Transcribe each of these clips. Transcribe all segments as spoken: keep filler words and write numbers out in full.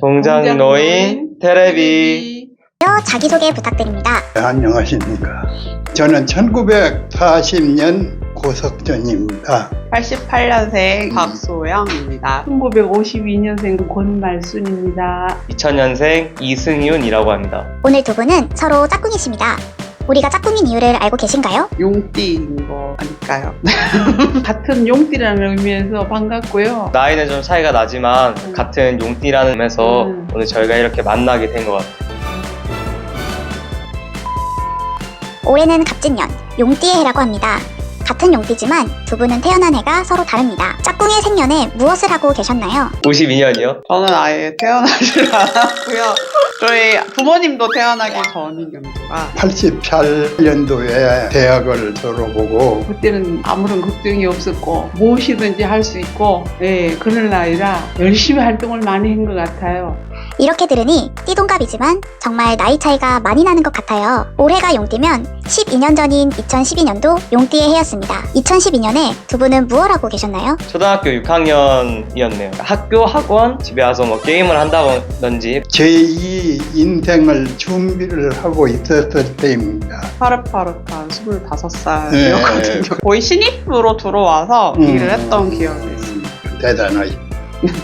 동장노인 테레비. 자기소개 부탁드립니다. 네, 안녕하십니까. 저는 천구백사십 년 고석전입니다. 팔십팔 년생 박소영입니다. 천구백오십이 년생 권말순입니다. 이천 년생 이승윤이라고 합니다. 오늘 두 분은 서로 짝꿍이십니다. 우리가 짝꿍인 이유를 알고 계신가요? 용띠인 거 아닐까요? 같은 용띠라는 의미에서 반갑고요. 나이는 좀 차이가 나지만 음. 같은 용띠라는 의미에서 음. 오늘 저희가 이렇게 만나게 된 것 같아요. 올해는 갑진년, 용띠의 해라고 합니다. 같은 용띠지만 두 분은 태어난 해가 서로 다릅니다. 짝꿍의 생년에 무엇을 하고 계셨나요? 오십이 년이요? 저는 아예 태어나질 않았고요. 저희 부모님도 태어나기 전인 연도가 팔십팔 년도에 대학을 졸업하고 그때는 아무런 걱정이 없었고 무엇이든지 할 수 있고 예, 그런 나이라 열심히 활동을 많이 한 것 같아요. 이렇게 들으니 띠동갑이지만 정말 나이 차이가 많이 나는 것 같아요. 올해가 용띠면 십이 년 전인 이천십이 년도 용띠의 해였습니다. 이천십이 년에 두 분은 무엇 하고 계셨나요? 초등학교 육 학년이었네요. 학교, 학원, 집에 와서 뭐 게임을 한다든지. 제이 인생을 준비를 하고 있었을 때입니다. 파릇파릇한 스물다섯 네. 살이었거든요. 거의 신입으로 들어와서 음. 일을 했던 기억이 있습니다. 대단하십니다.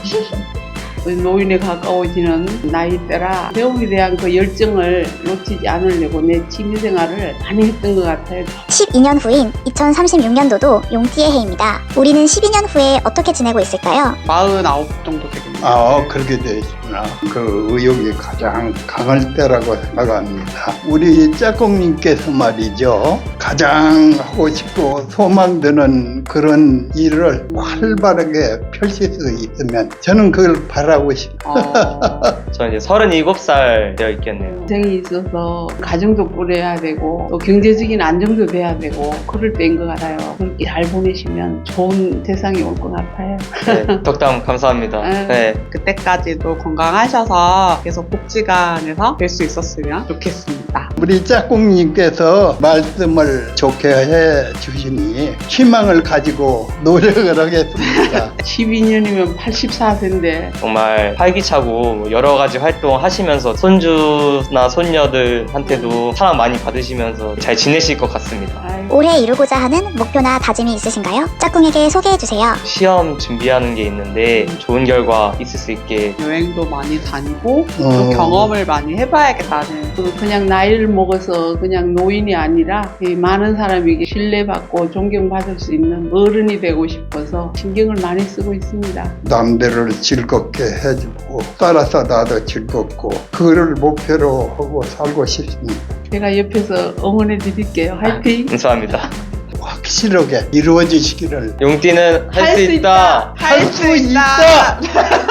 노인에 가까워지는 나이대라 배움에 대한 그 열정을 놓치지 않으려고 내 취미생활을 많이 했던 것 같아요. 십이 년 후인 이천삼십육 년도도 용띠의 해입니다. 우리는 십이 년 후에 어떻게 지내고 있을까요? 마흔아홉 정도 되겠네요. 아, 그렇게 되시구나. 그 의욕이 가장 강할 때라고 생각합니다. 우리 짝꿍님께서 말이죠. 가장 하고 싶고 소망드는 그런 일을 활발하게 펼칠 수 있으면 저는 그걸 바라고 싶어요. 어, 저는 이제 서른일곱 살 되어 있겠네요. 인생이 있어서 가정도 꾸려야 되고 또 경제적인 안정도 돼야 되고 그럴 때인 것 같아요. 그렇게 잘 보내시면 좋은 세상이 올 것 같아요. 네, 덕담 감사합니다. 네. 그때까지도 건강하셔서 계속 복지관에서 뵐 수 있었으면 좋겠습니다. 우리 짝꿍님께서 말씀을 좋게 해 주시니 희망을 가지고 노력을 하겠습니다. 십이 년이면 팔십사 세인데 정말 활기차고 여러 가지 활동 하시면서 손주나 손녀들한테도 사랑 많이 받으시면서 잘 지내실 것 같습니다. 올해 이루고자 하는 목표나 다짐이 있으신가요? 짝꿍에게 소개해주세요. 시험 준비하는 게 있는데 좋은 결과 있을 수 있게 여행도 많이 다니고 또 어. 경험을 많이 해봐야겠다는 그 그냥 나이를 먹어서 그냥 노인이 아니라 이 많은 사람에게 신뢰받고 존경받을 수 있는 어른이 되고 싶어서 신경을 많이 쓰고 있습니다. 남들을 즐겁게 해주고 따라서 나도 즐겁고 그거를 목표로 하고 살고 싶습니다. 제가 옆에서 응원해 드릴게요. 화이팅! 감사합니다. 확실하게 이루어지시기를. 용띠는 할 수 있다. 할 수 있다.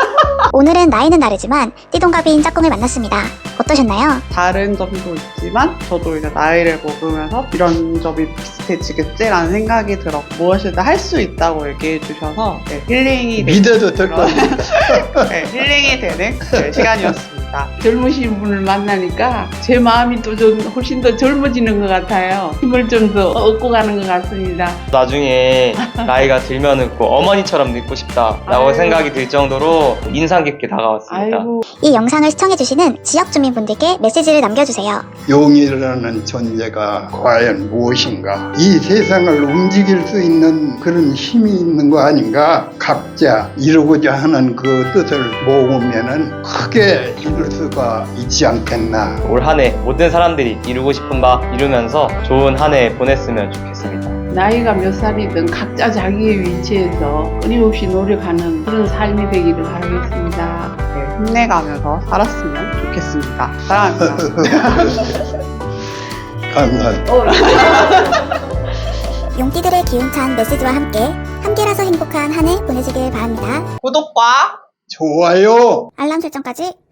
오늘은 나이는 다르지만 띠동갑인 짝꿍을 만났습니다. 어떠셨나요? 다른 점도 있지만 저도 이제 나이를 먹으면서 이런 점이 비슷해지겠지라는 생각이 들어 무엇이든 할 수 있다고 얘기해 주셔서 네, 힐링이 믿어도 될 그런- 겁니다. 네, 힐링이 되는 네, 시간이었습니다. 젊으신 분을 만나니까 제 마음이 또 좀 훨씬 더 젊어지는 것 같아요. 힘을 좀 더 얻고 가는 것 같습니다. 나중에 나이가 들면은 꼭 어머니처럼 늙고 싶다라고 아이고. 생각이 들 정도로 인상 깊게 다가왔습니다. 아이고. 이 영상을 시청해주시는 지역 주민분들께 메시지를 남겨주세요. 용이라는 존재가 과연 무엇인가? 이 세상을 움직일 수 있는 그런 힘이 있는 거 아닌가? 각자 이루고자 하는 그 뜻을 모으면은 크게 이룰 수가 있지 않겠나? 올 한 해 모든 사람들이 이루고 싶은 바 이루면서 좋은 한 해 보냈으면 좋겠습니다. 나이가 몇 살이든 각자 자기의 위치에서 끊임없이 노력하는 그런 삶이 되기를 바라겠습니다. 네, 힘내가면서 살았으면 좋겠습니다. 사랑합니다. 감사합니다. 용띠들의 기운찬 메시지와 함께 함께라서 행복한 한 해 보내시길 바랍니다. 구독과 좋아요. 알람 설정까지